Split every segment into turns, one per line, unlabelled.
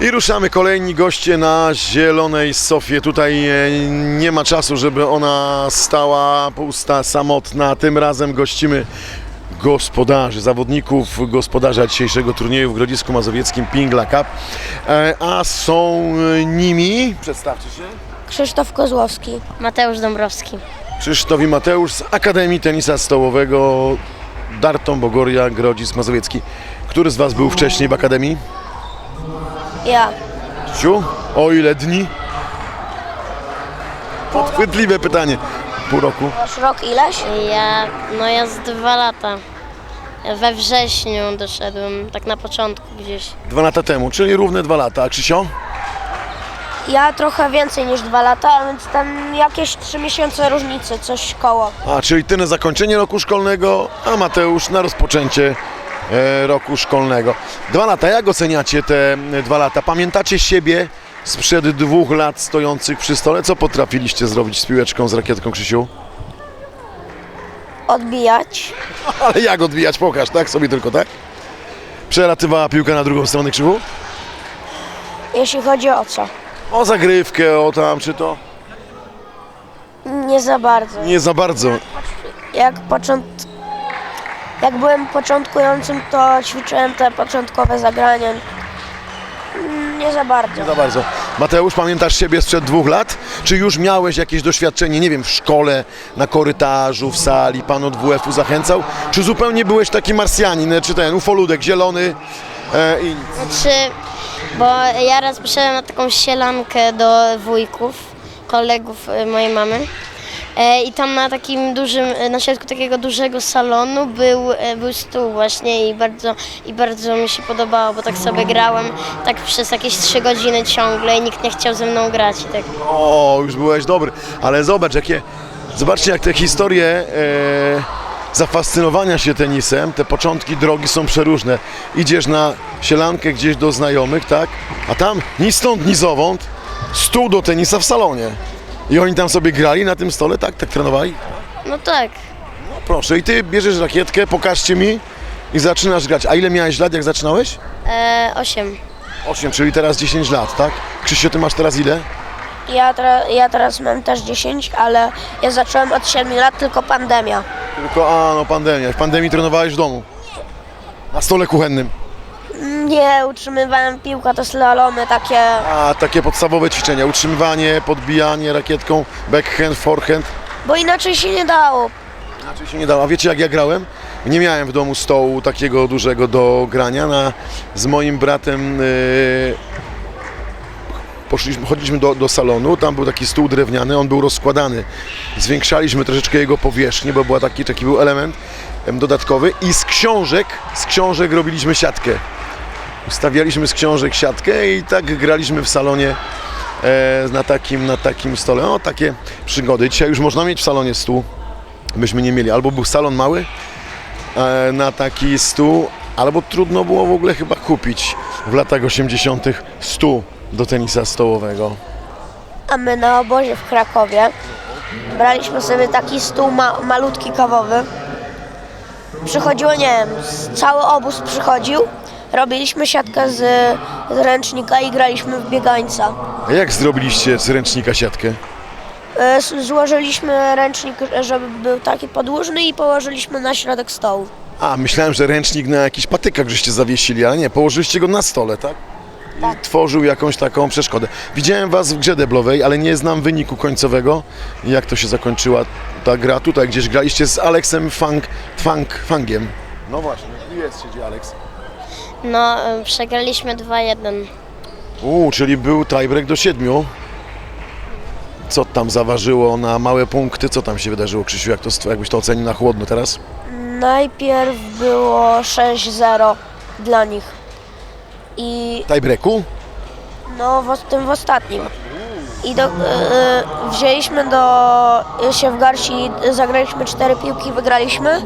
I ruszamy, kolejni goście na zielonej sofie. Tutaj nie ma czasu, żeby ona stała pusta, samotna. Tym razem gościmy gospodarzy, zawodników gospodarza dzisiejszego turnieju w Grodzisku Mazowieckim Pingla Cup. A są nimi, przedstawcie się.
Krzysztof Kozłowski.
Mateusz Dąbrowski.
Krzysztof i Mateusz z Akademii Tenisa Stołowego Darton Bogoria Grodzisk Mazowiecki. Który z Was był wcześniej w Akademii?
Ja.
Krzysiu, o ile dni? Podchwytliwe pytanie. Pół roku.
Masz rok ileś?
Ja z 2 lata. Ja we wrześniu doszedłem, tak na początku gdzieś.
2 lata temu, czyli równe 2 lata. A Krzysio?
Ja trochę więcej niż 2 lata, a więc tam jakieś 3 miesiące różnicy, coś koło.
A, czyli Ty na zakończenie roku szkolnego, a Mateusz na rozpoczęcie roku szkolnego. 2 lata, jak oceniacie te 2 lata? Pamiętacie siebie sprzed 2 lat stojących przy stole? Co potrafiliście zrobić z piłeczką, z rakietką, Krzysiu?
Odbijać.
Ale jak odbijać? Pokaż, tak? Sobie tylko, tak? Przelatywała piłka na drugą stronę, Krzychu?
Jeśli chodzi o co?
O zagrywkę, o tam, czy to?
Nie za bardzo.
Nie za bardzo.
Jak byłem początkującym, to ćwiczyłem te początkowe zagrania. Nie za bardzo.
Nie za bardzo. Mateusz, pamiętasz siebie sprzed 2 lat? Czy już miałeś jakieś doświadczenie, nie wiem, w szkole, na korytarzu, w sali, pan od WF-u zachęcał? Czy zupełnie byłeś taki marsjanin, czy ten ufoludek zielony i...
Bo ja raz poszedłem na taką sielankę do wujków, kolegów mojej mamy. I tam na takim dużym, na środku takiego dużego salonu był stół właśnie i bardzo mi się podobało, bo tak sobie grałem tak przez jakieś 3 godziny ciągle i nikt nie chciał ze mną grać i tak.
O, już byłeś dobry, ale zobaczcie jak te historie zafascynowania się tenisem, te początki drogi są przeróżne. Idziesz na sielankę gdzieś do znajomych, tak? A tam ni stąd, ni zowąd stół do tenisa w salonie. I oni tam sobie grali na tym stole, tak? Tak trenowali?
No tak.
No proszę, i Ty bierzesz rakietkę, pokażcie mi i zaczynasz grać. A ile miałeś lat, jak zaczynałeś?
8.
8, czyli teraz 10 lat, tak? Krzysiu, Ty masz teraz ile?
Ja teraz mam też 10, ale ja zacząłem od 7 lat, tylko pandemia.
Tylko, no pandemia. W pandemii trenowałeś w domu? Na stole kuchennym?
Nie, utrzymywałem piłkę, to slalomy takie.
A, takie podstawowe ćwiczenia. Utrzymywanie, podbijanie rakietką, backhand, forehand.
Bo inaczej się nie dało.
Inaczej się nie dało. A wiecie jak ja grałem? Nie miałem w domu stołu takiego dużego do grania. Z moim bratem chodziliśmy do salonu, tam był taki stół drewniany, on był rozkładany. Zwiększaliśmy troszeczkę jego powierzchnię, bo taki był element dodatkowy i z książek robiliśmy siatkę. Ustawialiśmy z książek siatkę i tak graliśmy w salonie na takim stole. O, takie przygody. Dzisiaj już można mieć w salonie stół. Byśmy nie mieli. Albo był salon mały na taki stół, albo trudno było w ogóle chyba kupić w latach 80. stół do tenisa stołowego.
A my na obozie w Krakowie braliśmy sobie taki stół malutki kawowy. Przychodziło, nie wiem, cały obóz przychodził. Robiliśmy siatkę z ręcznika i graliśmy w biegańca.
A jak zrobiliście z ręcznika siatkę?
Złożyliśmy ręcznik, żeby był taki podłużny i położyliśmy na środek stołu.
A, myślałem, że ręcznik na jakichś patykach żeście zawiesili, ale nie, położyliście go na stole, tak? I tworzył jakąś taką przeszkodę. Widziałem Was w grze deblowej, ale nie znam wyniku końcowego. Jak to się zakończyła ta gra? Tutaj gdzieś graliście z Aleksem Fangiem. No właśnie, siedzi Aleks.
No, przegraliśmy 2-1.
Czyli był tiebreak do 7. Co tam zaważyło na małe punkty? Co tam się wydarzyło, Krzysiu? Jakbyś to ocenił na chłodno teraz?
Najpierw było 6-0 dla nich. I
Tiebreaku?
no w ostatnim. I wzięliśmy się w garści, zagraliśmy 4 piłki, wygraliśmy.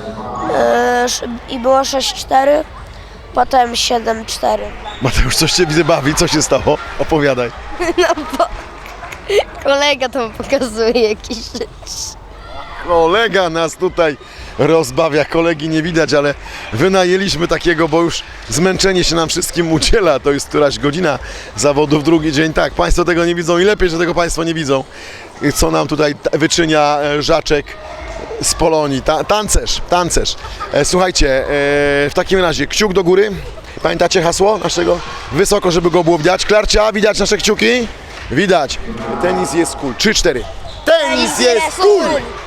I było 6-4, potem 7-4.
Mateusz, coś Cię widzę bawi, co się stało? Opowiadaj.
No bo kolega tam pokazuje jakieś rzeczy.
Kolega nas tutaj rozbawia, kolegi nie widać, ale wynajęliśmy takiego, bo już zmęczenie się nam wszystkim udziela. To jest któraś godzina zawodów, drugi dzień. Tak, Państwo tego nie widzą i lepiej, że tego Państwo nie widzą, co nam tutaj wyczynia Żaczek z Polonii. Tancerz. Słuchajcie, w takim razie kciuk do góry. Pamiętacie hasło naszego? Wysoko, żeby go było widać. Klarcia, widać nasze kciuki? Widać. Tenis jest cool. 3-4. Tenis jest cool!